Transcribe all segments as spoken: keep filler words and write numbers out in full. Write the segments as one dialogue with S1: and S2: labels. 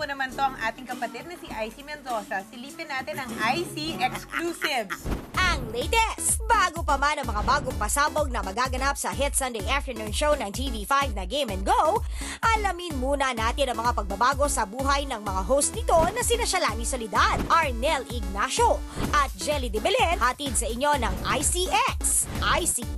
S1: naman to ang ating kapatid na si I C Mendoza. Silipin natin ang I C Exclusives.
S2: Ang latest! Bago pa man ang mga bagong pasabog na magaganap sa hit Sunday afternoon show ng T V five na Game and Go, alamin muna natin ang mga pagbabago sa buhay ng mga host nito na sina Shalani Solidad, Arnel Ignacio at Jelly de Belen, hatid sa inyo ng I C X. I C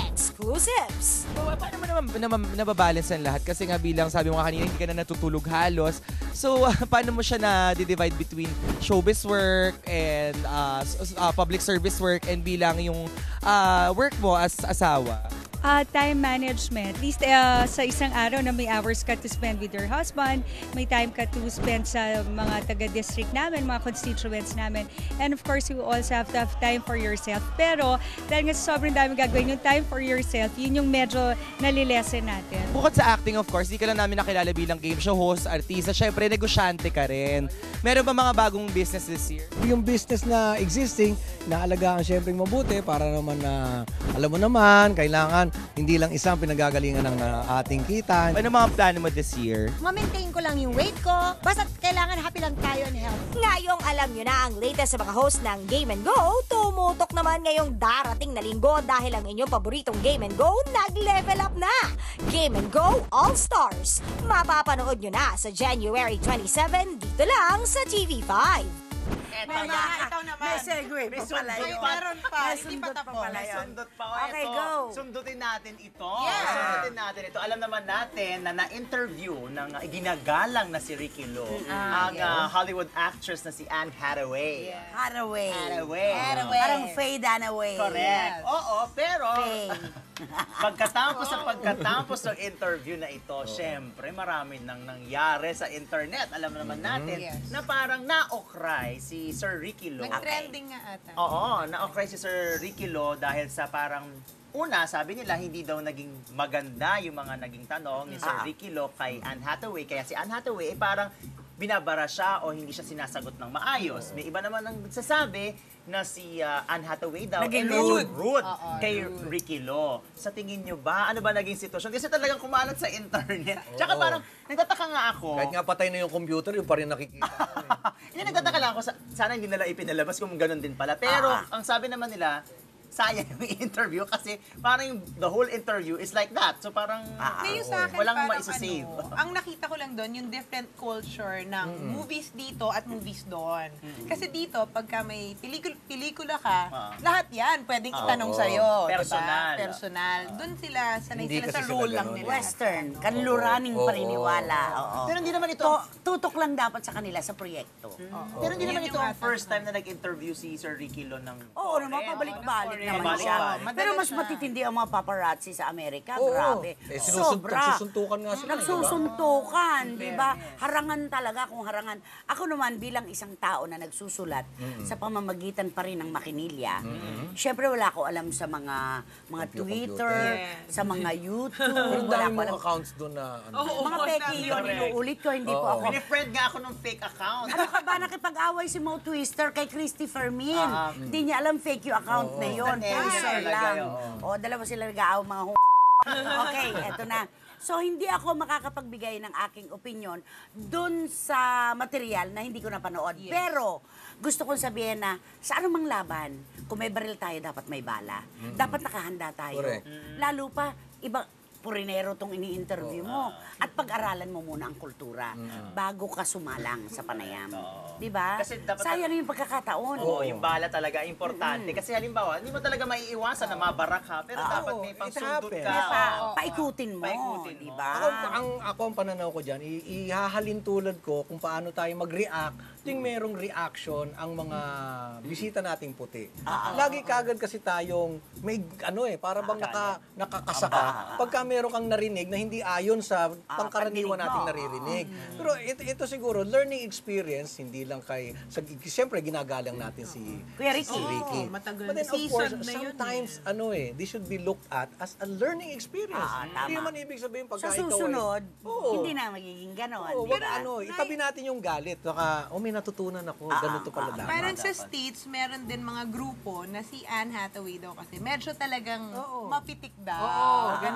S2: Exclusives.
S3: So, paano mo naman, naman nababalance ang lahat? Kasi nga bilang sabi mo nga kanina, hindi ka na natutulog halos. So, uh, paano mo siya na-divide between showbiz work and uh, uh, public service work and bilang yung uh, work mo as asawa?
S4: Uh, time management. At least uh, sa isang araw na may hours ka to spend with your husband, may time ka to spend sa mga taga-district namin, mga constituents namin. And of course, you also have to have time for yourself. Pero dahil nga sobrang dami gagawin, yung time for yourself, yun yung medyo nalilesen natin.
S3: Bukod sa acting, of course, di ka lang namin nakilala bilang game show host, artista. Syempre, negosyante ka rin. Meron ba mga bagong business this year?
S5: Yung business na existing, naalagaan syempre mabuti para naman na, alam mo naman, kailangan hindi lang isang pinagagalingan ng uh, ating kita.
S3: Ano mga plano mo this year?
S6: Ma-maintain ko lang yung weight ko. Basta kailangan happy lang tayo and health.
S2: Ngayong alam nyo na ang latest sa mga host ng Game and Go, tumutok naman ngayong darating na linggo dahil ang inyong paboritong Game and Go nag-level up na. Game and Go All-Stars. Mapapanood nyo na sa January twenty-seven dito lang sa T V five.
S1: Eto na, ikaw naman.
S7: May segue pa pala
S1: May
S7: yun.
S1: meron pa,
S7: May
S1: hindi pa
S7: sundot pa
S1: tapos.
S7: pala yun.
S8: Sundot pa. O,
S7: Okay,
S8: eto,
S7: go.
S8: Sundutin natin ito.
S1: Yeah.
S8: Sundutin natin ito. Alam naman natin na na-interview ng uh, ginagalang na si Ricky Lo, ang uh, Hollywood actress na si Anne Hathaway.
S7: Hathaway.
S8: Hathaway.
S7: Hathaway. Parang Faye Dunaway.
S8: Correct.
S1: Yes.
S8: Oo, pero
S7: Faye.
S8: pagkatapos sa pagkatapos ng interview na ito, syempre marami nang nangyari sa internet. Alam naman natin
S1: Yes.
S8: na parang na-okray si Sir Ricky Lo.
S1: Nag-trending nga ata.
S8: Oo, na-okray si Sir Ricky Lo dahil sa parang una, sabi nila, hindi daw naging maganda yung mga naging tanong ni Sir
S7: Ah.
S8: Ricky Lo kay Anne Hathaway. Kaya si Anne Hathaway, eh, parang binabara siya o hindi siya sinasagot ng maayos. May iba naman ang nagsasabi na si uh, Anne Hathaway daw
S7: Naging
S8: eh, medyo
S7: rude.
S8: rude
S1: Oo,
S8: kay
S1: rude.
S8: Ricky Lo. Sa tingin nyo ba, ano ba naging sitwasyon? Kasi talagang kumalat sa internet. Tsaka parang, nagtataka nga ako.
S5: Kahit nga patay na yung computer, yung pa rin nakikita.
S8: Hindi, nagtataka lang ako, sa- sana hindi nila ipinalabas kung ganun din pala. Pero,
S7: Ah.
S8: ang sabi naman nila, sayang yung interview kasi parang yung the whole interview is like that. So parang
S1: Ngayon sa akin,
S8: walang
S1: parang
S8: maisasave.
S1: ano, ang nakita ko lang doon, yung different culture ng movies dito at movies doon. Kasi dito, pagka may pelikul pelikula ka,
S8: Ah.
S1: lahat yan pwedeng itanong
S8: oo.
S1: sa'yo.
S8: Personal.
S1: Diba? Personal. Doon sila, sanay
S5: Hindi
S1: sila
S5: kasi
S1: sa
S5: sila
S1: role lang
S5: ganun.
S1: nila.
S7: Western. Kanluraning
S5: Oo.
S7: paniniwala. Oo.
S8: Pero hindi naman ito,
S7: To- tutok lang dapat sa kanila sa proyekto.
S8: pero hindi naman
S1: Yan
S8: ito
S1: yung
S8: ang
S1: ata-
S8: first time na nag-interview si Sir Ricky Lo ng
S7: Oo
S8: foreign.
S7: naman, pabalik-balik
S1: Oo,
S7: naman
S8: pabalik-balik.
S7: siya.
S8: Oo,
S1: madalas
S7: Pero mas
S1: siya.
S7: matitindi ang mga paparazzi sa Amerika.
S5: Oo.
S7: Grabe.
S5: Eh, sinusun-
S7: Sobra.
S5: nagsusuntukan nga sila,
S7: Nagsusuntukan, di ba? Harangan talaga kung harangan. Ako naman bilang isang tao na nagsusulat sa pamamagitan pa rin ng makinilya, syempre wala ko alam sa mga mga
S5: Computer.
S7: Twitter,
S1: Yes.
S7: sa mga YouTube,
S5: Pero
S7: wala
S5: dami
S7: ko alam.
S5: mga accounts doon na ano.
S1: Oo,
S7: Mga peki yun,
S8: Correct.
S7: inuulit ko, hindi po
S5: Oo.
S7: ako.
S8: Pinifriend nga ako ng fake account.
S7: Ano ka ba, nakipag-away si Mo Twister kay Christy Fermin.
S8: Ah,
S7: Hindi niya alam fake yung account na yun.
S8: Basta
S7: Poser
S8: talaga
S7: lang.
S8: yun.
S7: O, dalawa sila nag-aaw mga hu... Okay, eto na. So, hindi ako makakapagbigay ng aking opinion dun sa material na hindi ko napanood. Pero, gusto kong sabihin na sa anumang laban, kung may baril tayo, dapat may bala. Dapat nakahanda tayo.
S5: Correct.
S7: Lalo pa, iba, purinero tong ini-interview mo. At pag-aralan mo muna ang kultura bago ka sumalang sa panayam. Di ba?
S8: Kasi dapat-
S7: Sayang yung pagkakataon.
S8: Oo, yung bala talaga importante. Kasi halimbawa, hindi mo talaga maiiwasan na mabarak ka, pero dapat may
S5: it
S8: pangsundot
S5: happens.
S8: ka.
S7: Kaya pa,
S8: Oo.
S7: paikutin mo.
S8: Paikutin mo.
S7: Di ba?
S5: Ako, ang, ako ang pananaw ko dyan, i- ihahalin tulad ko kung paano tayo mag-react ting merong reaction ang mga bisita nating puti. Lagi kagad kasi tayong may ano eh, para bang naka, nakakasaka. Pagka meron kang narinig na hindi ayon sa pangkaraniwan
S7: pandinig mo.
S5: nating naririnig. Pero ito, ito siguro, learning experience, hindi lang kay, sa, siyempre ginagalang natin si,
S7: Kuya Ricky.
S5: si Ricky.
S1: Oo, matagal
S5: But then
S1: na
S5: of course,
S1: season na yun
S5: sometimes, ano eh, this should be looked at as a learning experience.
S7: Ah, tama.
S5: Hindi naman ibig sabihin pagka
S7: Sa
S5: ikaw ay-
S7: susunod,
S5: Oo.
S7: hindi na magiging ganon.
S5: Oo,
S7: di
S5: wag,
S7: ba?
S5: ano, itabi natin yung galit. Saka, oh, may natutunan ako. Ganito pala dapat.
S1: Parang sa States, meron din mga grupo na si Anne Hathaway daw kasi medyo talagang mapitik daw.
S5: Oo,
S1: ganun daw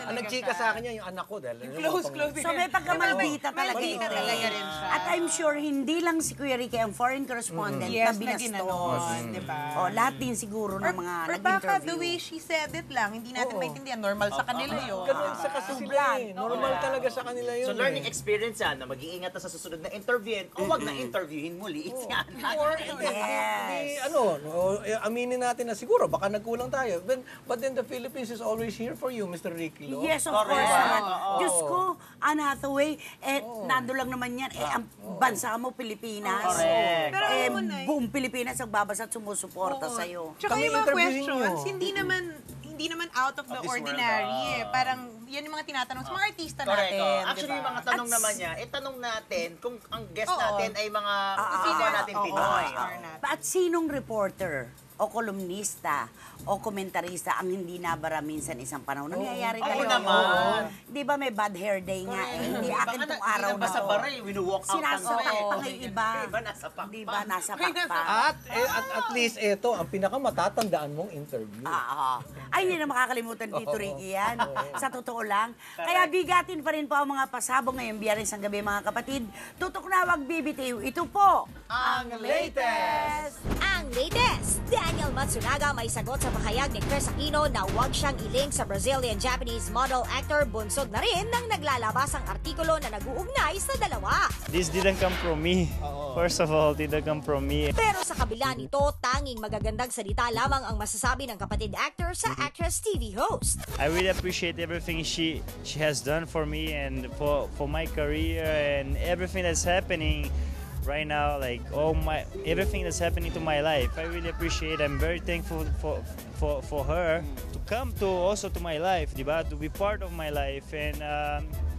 S1: talaga
S5: Ang nagchika
S1: siya.
S5: sa akin yan, yung anak ko. Dahil,
S1: Close, close.
S7: So may pagkamaldita talaga
S1: Maldita
S7: ito.
S1: talaga rin siya.
S7: At I'm sure hindi lang si Kuya Ricky ang foreign correspondent
S1: Yes,
S7: na
S1: na
S7: binastos.
S1: ginanon, di ba?
S7: O, lahat din siguro ng
S1: Or,
S7: mga
S1: or baka
S7: nag-interview.
S1: the way she said it lang, hindi natin maintindihan. Normal sa kanila yun.
S5: Ganun sa kasi sila eh. Normal talaga sa kanila yun.
S8: So learning
S5: eh.
S8: experience yan, na mag-iingat na sa susunod na interviewin o wag na interviewin muli. It's yan.
S5: Or, hindi, hindi, ano, no, eh, aminin natin na siguro, baka nagkulang tayo. But, but then the Philippines is always here for you, Mister Ricky Lo.
S7: Yes, of course naman. Diyos ko, Anne Hathaway, eh, nando lang naman yan. Eh, ang bansa mo, Pilipinas.
S8: Correct.
S1: Pero
S7: eh,
S1: alam mo na,
S7: buong Pilipinas ang babasa at sumusuporta
S1: Oo.
S7: sa'yo.
S1: Tsaka
S5: Kami
S1: yung mga
S5: interviewin
S1: questions,
S5: nyo.
S1: hindi naman hindi naman out of the
S8: Of this world,
S1: ordinary
S8: ah.
S1: eh. Parang yan yung mga tinatanong sa mga artista
S8: Correct.
S1: natin.
S8: oh. Actually,
S1: di
S8: yung
S1: ba?
S8: mga tanong naman niya, eh tanong natin kung ang guest
S1: Oo.
S8: natin ay mga
S7: Ah,
S8: kapwa
S1: ah,
S8: natin
S1: oo,
S8: Pinoy.
S1: star natin.
S7: At sinong reporter o kolumnista o komentarista ang hindi nabara minsan isang panahon? Nangyayari
S8: Oo
S7: talaga.
S8: naman.
S7: Di ba may bad hair day nga eh? Hindi akin
S8: Baka
S7: tong
S8: na-
S7: araw
S8: hindi
S7: na
S8: na sa
S7: to.
S8: baray, winu-walk out lang
S7: Sinasapak
S8: kami.
S7: pa kay iba.
S8: Iba nasa pakpak.
S7: Di ba? Nasa
S1: May nasa-
S7: pakpak.
S5: At, eh, at, at least ito, ang pinakamatatandaan mong interview.
S7: Ah, ay, hindi na makakalimutan dito, Ricky, yan. Sa totoo lang. Kaya bigatin pa rin po ang mga pasabog ngayong Biyernes ang gabi, mga kapatid. Tutok na, wag bibitiw. Ito po,
S8: Ang latest!
S2: Ang latest, Daniel Matsunaga may sagot sa pahayag ni Chris Aquino na huwag siyang ilink sa Brazilian-Japanese model actor. Bunsod na rin nang naglalabas ang artikulo na nag-uugnay sa dalawa.
S9: This didn't come from me. First of all, didn't come from me.
S2: Pero sa kabila nito, tanging magagandang salita lamang ang masasabi ng kapatid actor sa actress T V host.
S9: I really appreciate everything she she has done for me and for for my career and everything that's happening right now, like all my everything that's happening to my life. I really appreciate. I'm very thankful for for for her to come to also to my life, diba? To be part of my life, and um,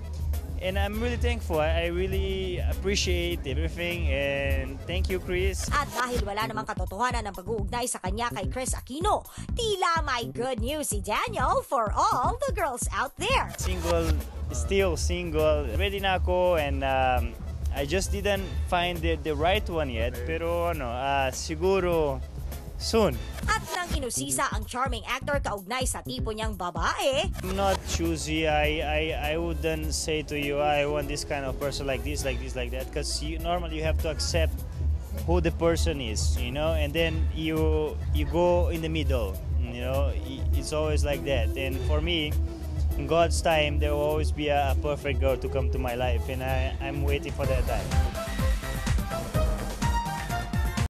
S9: and I'm really thankful. I, I really appreciate everything, and thank you, Chris.
S2: At dahil wala namang katotohanan ng pag-uugnay sa kanya kay Chris Aquino, tila may good news si Daniel for all the girls out there.
S9: Single, still single. Ready na ako, and um, I just didn't find the, the right one yet. Pero ano, ah, siguro soon.
S2: At nang inusisa ang charming actor kaugnay sa tipo niyang babae,
S9: I'm not choosy. I, I, I wouldn't say to you, I want this kind of person like this, like this, like that. Because you, normally you have to accept who the person is, you know, and then you you go in the middle, you know. It's always like that. And for me, in God's time, there will always be a, a perfect girl to come to my life, and I, I'm waiting for that time.